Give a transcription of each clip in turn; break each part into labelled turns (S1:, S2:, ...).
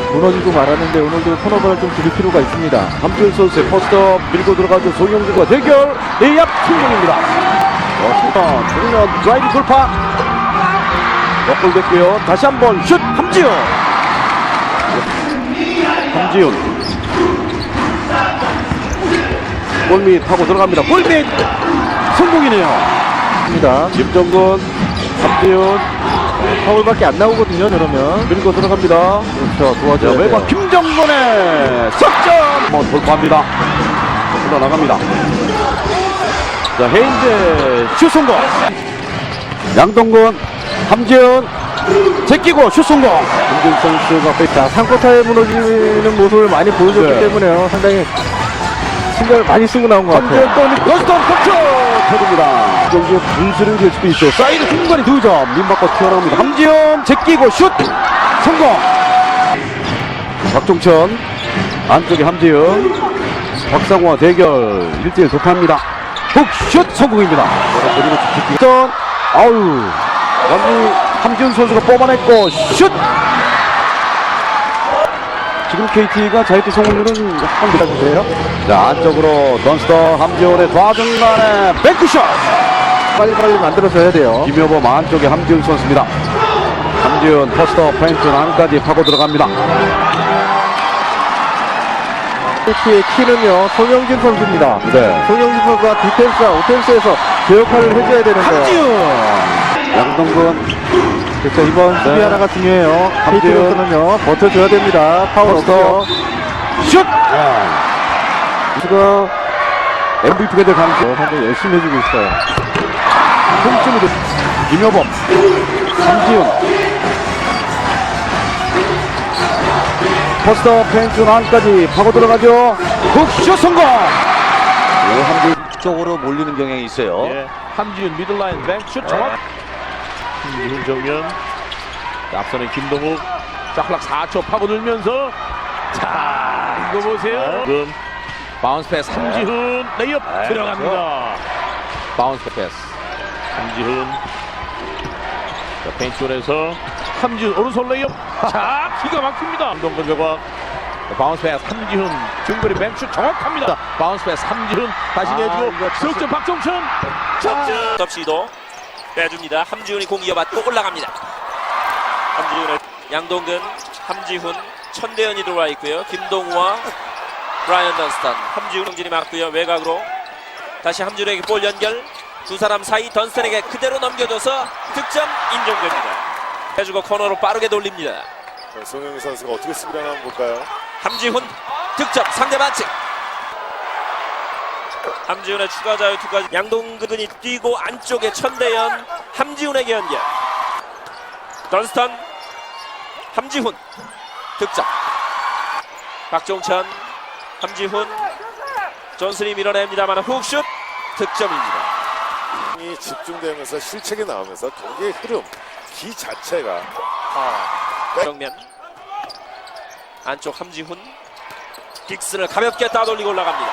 S1: 무너지고 말았는데 오늘도 턴오버를 좀 줄일 필요가 있습니다.
S2: 함지훈 선수의 포스트업 밀고 들어가죠. 송영준과 대결 레이업 성공입니다. 정면 드라이브 돌파 역골 됐고요. 다시 한번 슛 함지훈. 골밑 하고 들어갑니다. 골밑 성공이네요. 김정근, 함지훈
S1: 파울밖에 안 나오거든요. 그러면
S2: 밀고 들어갑니다.
S1: 그렇죠. 도와줘야 돼요.
S2: 외곽 김정근의 석점 돌파합니다. 흘러나갑니다. 자, 헤인즈 슛 성공. 양동근, 함지훈 제끼고 슛 성공.
S1: 김준 선수가 자, 3쿼터에 무너지는 모습을 많이 보여줬기
S2: 네.
S1: 때문에요. 상당히 신경을 많이 쓰고 나온 것 같아요.
S2: 함지훈 또 러스턴 터쳐 터집니다. 경기에 분수를 줄 수도 있죠. 사이드 중간에 2점 민박과 튀어나옵니다. 함지훈 제끼고 슛 성공. 박종천 안쪽에 함지훈 박상호와 대결 1대1 돌파합니다. 훅슛 성공입니다. 그리고 직전 아우 완전히 함지훈 선수가 뽑아냈고 슛. 지금 KT가 자유투 성공률은 약간 낮으세요. 자, 안쪽으로 던스터 함지훈의 좌중간에 뱅크샷
S1: 빨리빨리 만들어줘야 돼요.
S2: 김여범 안쪽에 함지훈 선수입니다. 함지훈 포스터 페인트 안까지 파고 들어갑니다.
S1: KT의 키는요, 송영진 선수입니다.
S2: 네.
S1: 송영진 선수가 디펜스와 오펜스에서 그 역할을 해줘야 되는데요.
S2: 함지훈 양동근
S1: 그렇죠. 이번 수비
S2: 네.
S1: 하나가 중요해요.
S2: 함지훈.
S1: KT로서는요, 버텨줘야 됩니다. 파울
S2: 포스터.
S1: 없고요.
S2: 슛! 선수가 MVP가 될 가능성
S1: 상당히 열심히 해주고 있어요.
S2: 홈쯤으로 김여범 함지훈 포스터 페인트 안까지 파고 들어가죠. 훅슛 성공. 함지훈
S3: 쪽으로 몰리는 경향이 있어요.
S4: 예, 함지훈 미들라인 뱅슛 정확. 김지훈 정면. 앞서는 김동욱. 짝락 4초 파고들면서 자 이거 보세요. 지금 바운스 패스 함지훈 레이업 들어갑니다. 바운스 패스 함지훈. 자, 페인트존에서 함지훈 오른손 레이업. 자 기가 막힙니다. 함동근 외곽. 바운스 패스 함지훈 중거리 뱅슛 정확합니다. 바운스 패스 함지훈 다시 내주고 석점 박종천 석점.
S5: 섭시도 빼줍니다. 함지훈이 공 이어받고 올라갑니다. 함지훈의 양동근, 함지훈, 천대현이 들어와 있고요. 김동우와 브라이언 던스턴, 함지훈 정진이 맞고요. 외곽으로 다시 함지훈에게 볼 연결. 두 사람 사이 던스턴에게 그대로 넘겨줘서 득점 인정됩니다. 해주고 코너로 빠르게 돌립니다.
S6: 송영희 선수가 어떻게 수비를 하나 한번 볼까요?
S5: 함지훈 득점 상대 반칙. 함지훈의 추가 자유투까지 양동근이 뛰고 안쪽에 천대현 함지훈에게 연결. 던스턴 함지훈 득점. 박종천 함지훈 존슨이 밀어냅니다만 훅슛 득점입니다.
S6: 이 집중되면서 실책이 나오면서 경기의 흐름, 기 자체가
S5: 정면 안쪽 함지훈 딕슨을 가볍게 따돌리고 올라갑니다.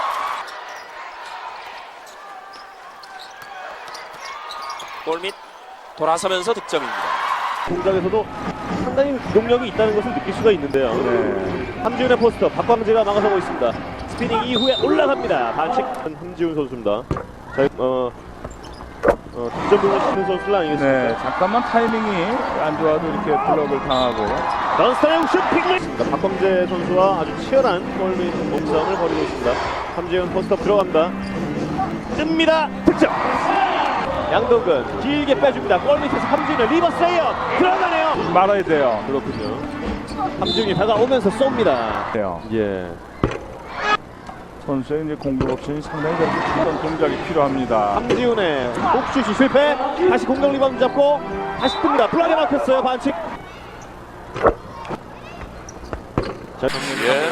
S5: 골밑 돌아서면서 득점입니다.
S4: 동작에서도 상당히 기동력이 있다는 것을 느낄 수가 있는데요. 함지훈의 포스터 박광재가 막아서고 있습니다. 스피닝 이후에 올라갑니다. 반칙 함지훈 선수입니다. 자, 득점 등을 시키는 선수는 아니겠습니까?
S1: 네, 잠깐만 타이밍이 안 좋아도 이렇게 블록을 당하고.
S4: 던스턴의 슈팅! 박광재 선수와 아주 치열한 골밑 몸싸움을 벌이고 있습니다. 함지훈 포스터 들어갑니다. 뜹니다. 득점! 양동근 길게 빼줍니다. 골밑에서 함지훈의 리버스 레이업 들어가네요.
S1: 말아야 돼요.
S4: 그렇군요. 함지훈이 다가오면서 쏩니다.
S1: 돼요.
S4: 예.
S1: 선수의 이제 공격 옵션이 상당히 어떤 동작이 필요합니다.
S4: 함지훈의 옥슛이 실패. 다시 공격 리바운드 잡고 다시 뜹니다. 블락에 막혔어요. 반칙. 자,
S5: 예.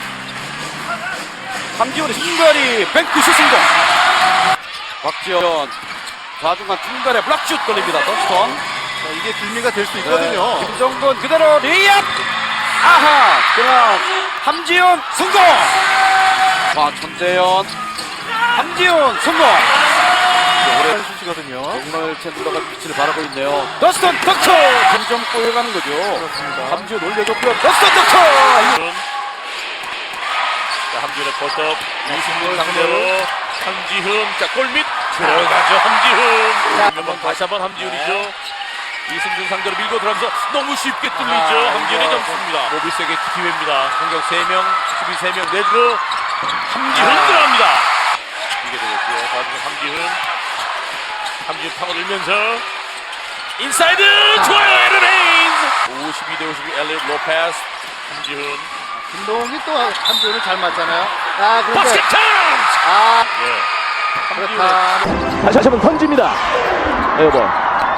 S5: 함지훈의 중거리 뱅크슛 성공. 박지현 좌중간 중간에 블락슛 걸립니다. 던스턴.
S6: 이게 빌미가 될 수 있거든요.
S5: 김정근 그대로 레이업. 아하. 그냥 함지훈 성공. 자 천대현 함지훈 성공.
S2: 오래 수시거든요. 정말 챈들러가 빛을 발하고 있네요. 더스턴 덕터! 점점 꼬여가는 거죠. 그렇습니다. 함지훈 올려줬고요. 더스턴 덕터!
S4: 자, 함지훈의 포스업 이승준 상대로 함지훈. 자, 골밑 들어가죠. 함지훈. 그러면 다시 한번 함지훈이죠. 이승준 상대로 밀고 들어가면서 너무 쉽게 뚫리죠. 함지훈의 점수입니다. 모비스에게 기회입니다. 공격 3명, 수비 3명 내주고 함지훈 들어갑니다. 이게 되겠고요. 다음은 함지훈 파고들면서 인사이드 좋아요. 에런 헤인즈 52대52 엘리엇 로페스. 함지훈
S2: 김동욱이 또 함지훈을 잘 맞잖아요. 아, 그런데
S4: 바스켓 찬스. 예. 함지훈의
S1: 다시 한번 던집니다. 에어볼.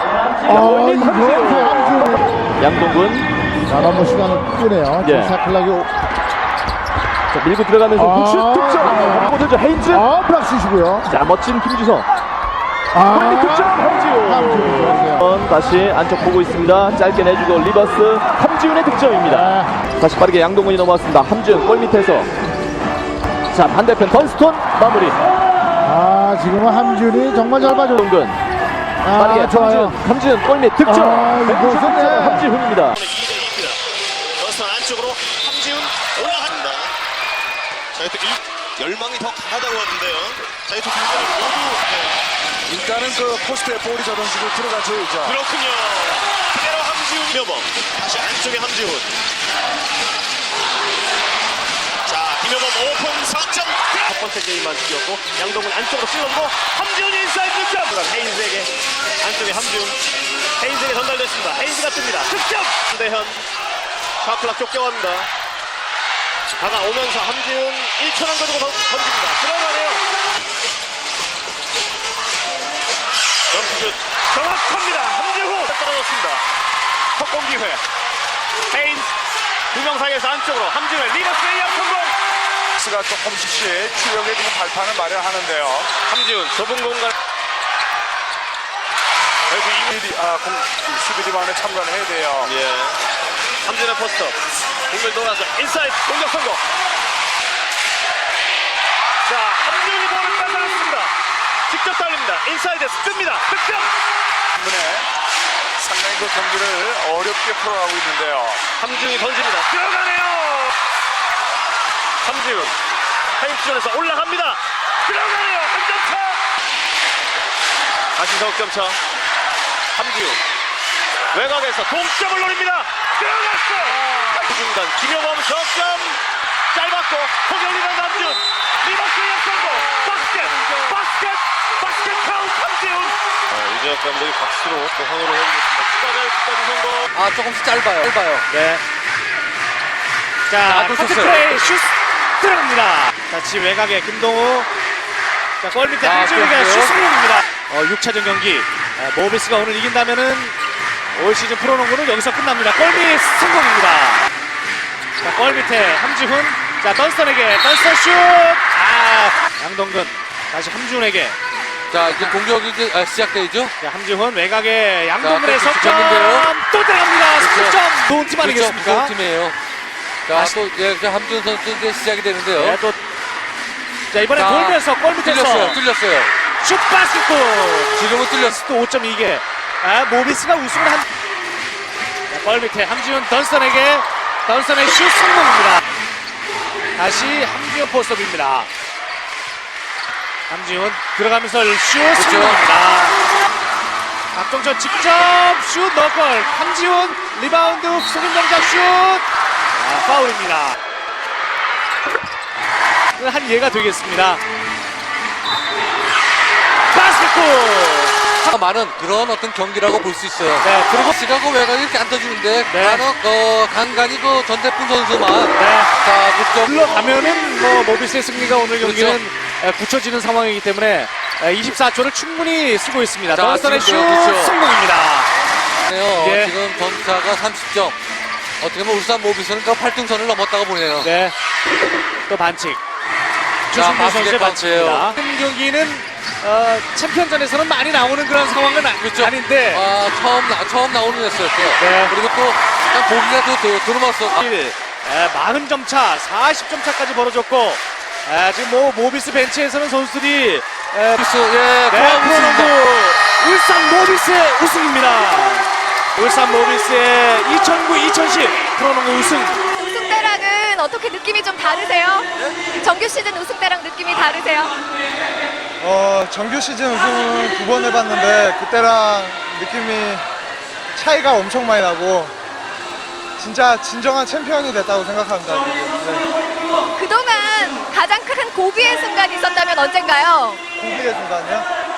S1: 양동근.
S7: 자, 너무 시간을 끄네요.
S1: 예.
S7: 사클락이
S1: 자, 밀고 들어가면서 훅슛 득점. 고들죠 헤인즈.
S7: 블락슛이고요.
S1: 자, 멋진 김주성. 득점 함지훈.
S7: 함지훈.
S1: 다시 안쪽 보고 있습니다. 짧게 내주고 리버스 함지훈의 득점입니다. 다시 빠르게 양동근이 넘어왔습니다. 함지훈 골 밑에서. 자, 반대편 던스톤 마무리.
S7: 지금은 함지훈이 정말 잘 봐줘.
S1: 동근. 빠르게
S7: 좋아요.
S1: 함지훈 골밑 득점.
S7: 이거 좋네.
S1: 함지훈입니다.
S8: 던스턴 안쪽으로 함지훈 올라갑니다. 자, 이또 이 열망이 더 강하다고 하는데요. 자, 이또 두 분을 모두
S6: 일단은 그 포스트에 볼이 저런 식으로 들어가줘야죠.
S8: 그렇군요. 그대로 함지훈 김여범 다시 안쪽에 함지훈. 자, 김여범 오픈 4점. 첫 번째 게임만 뛰었고 양동근 안쪽으로 찔렀고 함지훈이 인사이드 득점. 헤인즈에게 안쪽에 함지훈. 헤인즈에게 전달됐습니다. 헤인즈가 뜹니다. 득점. 대현 샤클락 쫓겨갑니다. 다가오면서 함지훈 1초만 가지고 던집니다. 들어가네요. 점프슛 정확합니다. 함지훈 떨어졌습니다. 석공 기회. 헤인즈 두 명 사이에서 안쪽으로 함지훈의 리버스 레이업 성공.
S6: 가 조금씩 추격에 지금 발판을 마련하는데요.
S8: 함지훈 좁은 공간.
S6: 그래도 수비 리바운드에 참가를 해야 돼요.
S8: 예. 함지훈의 포스터. 공을 돌아서 인사이드 공격 성공. 자, 함지훈이 볼을 뺏어냈습니다. 직접 달립니다. 인사이드 씁니다. 득점.
S6: 때문에 상당히 그 경기를 어렵게 풀어가고 있는데요.
S8: 함지훈이 던집니다. 들어가네요. 함지훈 타임존에서 올라갑니다. 들어가네요. 한 점 차. 다시 석점차. 함지훈 외곽에서 동점을 노립니다. 들어갔어. 중간 김여범 석점 짧았고 포격 리바운드 함지훈 리버스 리업 성공. 바스켓 카운트 함지훈. 유재학 감독이 박수로 또 환호를 해주겠습니다. 끝까지 성공.
S2: 조금씩 짧아요.
S9: 네. 자, 카트플레이 슛 들어갑니다. 자, 지금 외곽에 김동우. 자, 골 밑에 함지훈에게 슛 성공입니다. 6차전 경기. 모비스가 오늘 이긴다면은 올 시즌 프로농구는 여기서 끝납니다. 골밑 성공입니다. 자, 골 밑에 함지훈. 자, 던스턴에게 던스턴 슛. 양동근. 다시 함지훈에게.
S2: 자, 이제 공격이 이제 시작되죠.
S9: 자, 함지훈 외곽에 양동근의
S2: 또
S9: 석점.
S2: 붙였는데요.
S9: 또 들어갑니다.
S2: 그렇죠.
S9: 석점. 좋은 팀 아니겠습니까?
S2: 좋은 팀이에요. 자, 또 함지훈 선수 이제 시작이 되는데요.
S9: 네, 또. 자, 이번에
S2: 자,
S9: 돌면서 골 밑에서
S2: 뚫렸어요.
S9: 슛 바스켓.
S2: 지금은 뚫렸어.
S9: 또 5.2개. 모비스가 우승을 한. 자, 골 밑에 함지훈 던스턴에게 던스턴의 슛 성공입니다. 다시 함지훈 포스업입니다. 함지훈 들어가면서 슛 성공입니다. 박종철 직접 슛 넣골. 함지훈 리바운드 속임 동작 슛. 파울입니다. 한 예가 되겠습니다. 바스켓골.
S2: 많은 그런 어떤 경기라고 볼 수 있어요.
S9: 네, 그리고
S2: 시가고 외곽이 이렇게 안 떠주는데
S9: 네.
S2: 간간히 그 전태풍 선수만
S9: 네.
S2: 자, 득점
S9: 물러가면은 뭐 모비스의 승리가 오늘 경기는
S2: 그렇죠.
S9: 굳혀지는 상황이기 때문에 24초를 충분히 쓰고 있습니다.
S2: 자,
S9: 던스턴의 슛
S2: 지금도 그렇죠.
S9: 성공입니다.
S2: 네요.
S9: 예.
S2: 지금 점차가 30점. 어떻게 보면 울산 모비스는 그 8등선을 넘었다고 보네요.
S9: 네. 또 반칙.
S2: 자,
S9: 주승민
S2: 바스켓
S9: 선수의
S2: 반칙이에요.
S9: 반칙입니다. 이 경기는 챔피언전에서는 많이 나오는 그런 상황은
S2: 그렇죠.
S9: 아닌데
S2: 처음 나오는 였었어요.
S9: 네.
S2: 그리고 또 보기가 또 들어맞어.
S9: 40점 차, 40점 차까지 벌어졌고 지금 뭐 모비스 벤치에서는 선수들이 네, 프로농구 울산 모비스의 우승입니다. 울산 모비스의 2009-2010 프로농구 우승.
S10: 우승 때랑은 어떻게 느낌이 좀 다르세요? 정규 시즌 우승 때랑 느낌이 다르세요?
S11: 정규 시즌 우승은 2번 해봤는데 그때랑 느낌이 차이가 엄청 많이 나고 진짜 진정한 챔피언이 됐다고 생각합니다.
S10: 그동안 가장 큰 고비의 순간이 있었다면 언젠가요?
S11: 고비의 순간이요?